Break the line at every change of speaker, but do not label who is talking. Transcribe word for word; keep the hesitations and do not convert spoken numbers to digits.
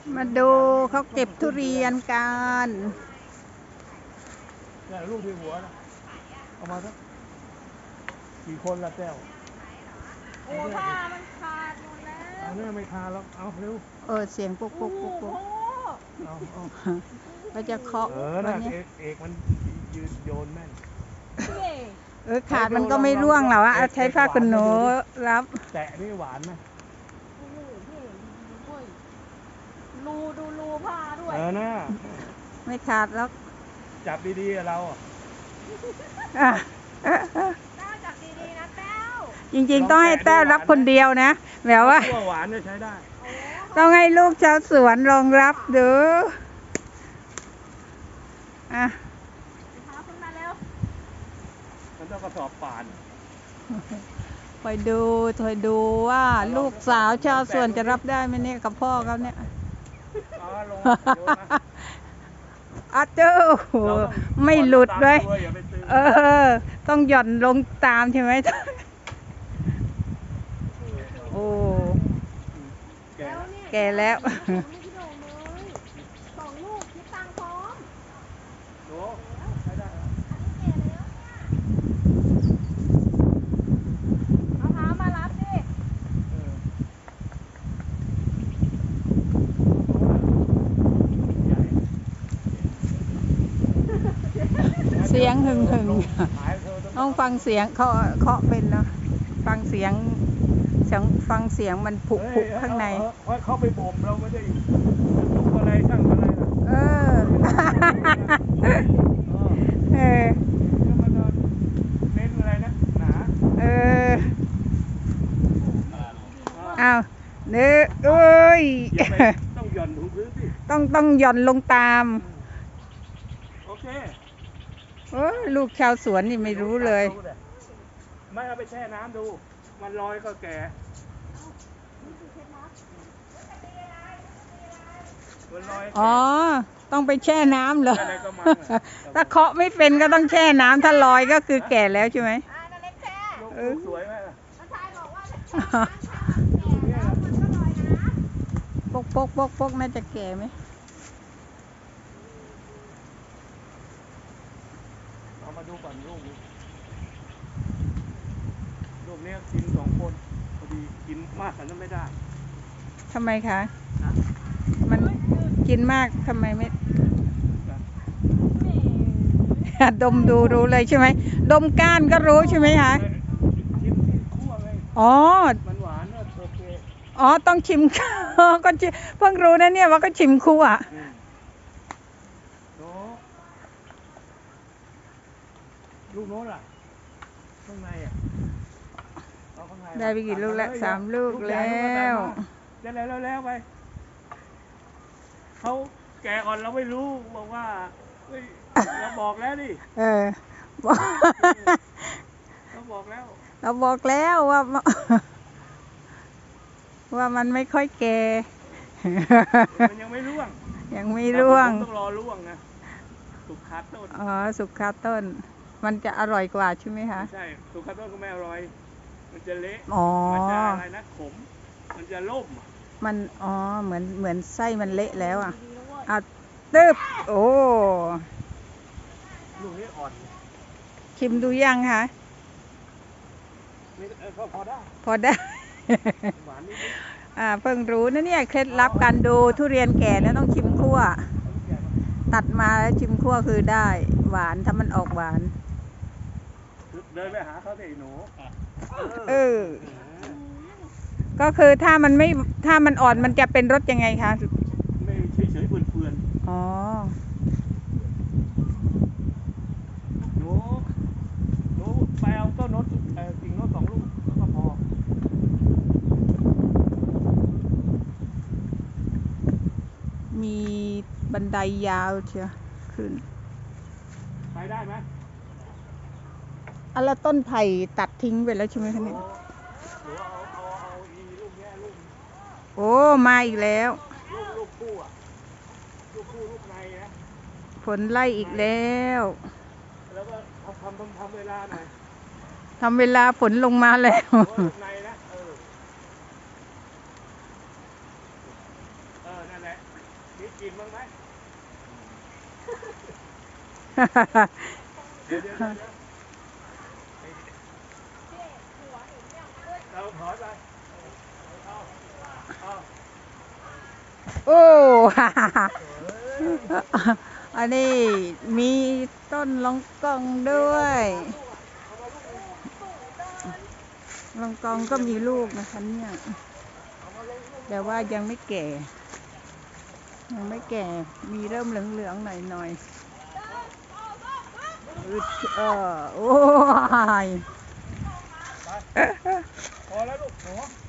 มาดูเขาเก็บทุเรียนกัน
เนี่ยลูกที่หัวนะเอามาสักกี่คนละแก้ว
โอ้ผ้ามันขาดหมดแล้ว
เอาเนี่ยไม่คาแล้วเอาเร็ว
เออเสียงปุ๊กปุ๊กปุ๊กปุ๊ก
เอาเอา
เราจะเคาะ
เออนะเอกเอกมันยืนโยนแม่น
เออขาดมันก็ไม่ร่วงหรอวะใช้ผ้าขนหนูรับ
แตะนี่หวานไหม
รูดูรูผ้าด้วย
เออนะ
ไม่ขาดแล้ว
จับดีๆเราอ่ะ
แต้วจับดีๆนะแต้ว
จริงๆต้องให้แต้วรับคนเดียวนะแบบว่า
หวานเนี่ยใช้ได้
ต้องให้ลูกชาวสวนรองรับดูอ่ะ
ขึ้นมาเร็ว
มันต้องกระสอบป่าน
คอยดูคอยดูว่าลูกสาวชาวสวนจะรับได้ไหมเนี่ยกับพ่อเขาเนี่ยอาเจ้าไม่หลุดเลยเออต้องหย่อนลงตามใช่ไหมโอ้แก่แล้ว
สองลูกคิดตังค์พร้อมเอาเท้ามารับดิ
เสียงหึ่งหึ่งต้องฟังเสียงเคาะเคาะเป็นนะฟังเสียงเสียงฟังเสียงมันผุผุข้างใน
เขาไปบ่มเราไม่ได้ทุกอะไรช่างอะไรนะ
เออเออ
มันเน้นอะไรนะหนา
เอออ้าวเนื้อเอ้ย
ต้องหย่อนถุงพื้นสิ
ต้องต้องหย่อนลงตาม
โอเค
โอ้ลูกชาวสวนนี่ไม่รู้เลย
ไม่เอาไปแช่น้ำดูมันลอยก็แก่
อ๋อต้องไปแช่น้ำเหรอถ้าเคาะไม่เป็นก็ต้องแช่น้ำถ้าลอยก็คือแก่แล้วใช่ไหม
สวยไหม
ปกปกปกปกน่าจะแก่ไหม
เอามาดูก่อนลูกนี้ลูกนี้กินสองคนพอดีกินมากแต่ไม่ได้
ทำไมคะมันกินมากทำไมไม่ดมดูรู้เลยใช่ไหมดมก้านก็รู้ใช่ไหมคะอ๋อ
มันหวานโอเค
อ๋อต้องชิมก็เพิ่งรู้นะเนี่ยว่าก็ชิมคู่อ่ะ
ลูกโน้นอ่ะข้างในอ่ะ
ได้ไปกี่ลูกแล้วสามลูกแล้ว
ได้แล้วแล้วไปเขาแก่อ่อนเราไม่รู้บอกว่าเราบอกแล้วดิ
เออ
เราบอกแล้ว
เราบอกแล้วว่าว่ามันไม่ค่อยแก่
มันยังไม่ร่วง
ยังไม่ร่วง
ต้องรอร่วงนะสุกคาต้น
อ๋อสุกคาต้นมันจะอร่อยกว่าใช่ไหมคะ
ใช่สุกคาต้นก็ไม่อร่อยมันจะเละ
อ๋อ
มันจะอะไรนะขมมันจะล่ม
มันอ๋อเหมือนเหมือนไส้มันเละแล้วอ่ะอ่ะตึ๊บโอ้
ลูกนี้อ่อน
ชิมดูยังคะ
พอได้
พอได้อ่าเพิ่งรู้นะเนี่ยเคล็ดลับการดูทุเรียนแก่เนี่ยต้องชิมคั่วตัดมาแล้วชิมคั่วคือได้หวานถ้ามันออกหวาน
เดินไปหาเขาสิหนู
เออก็คือถ้ามันไม่ถ้ามันอ่อนมันจะเป็นรสยังไงคะ
ไม่เฉยๆเฟื่อน
ๆอ๋อ
หนูหนูไปเอาต้นโน้ตกิ่งโน้ตสองลูกแล้วก็พอ
มีบันไดยาวเชียวขึ้น
ไปได้ไหม
อันละต้นไผ่ตัดทิ้งไปแล้วใช่ไหมคะเนี่ยโอ้มาอีกแล้ว
ลูกคู่อ่ะลูกคู่ลูกในนะ
ฝนไล่อีกแล้ว
แล้วก็ทำทำทำเวลาหน่อย
ทำเวลาฝนลงมาแล้ว
ในนะเออเออนั่นนแหละมีกลิ่นบ้างไหมเดี๋ยวเดี๋ยวเดี๋ยวเราถอยไปเอาเอา
โอ้ อันนี้มีต้นลองกองด้วยลองกองก็มีลูกนะคะเนี่ยแต่ว่ายังไม่แก่ยังไม่แก่มีเริ่มเหลืองๆหน่อยๆอึดเออโอ้ย
พอแล้วลูกหนู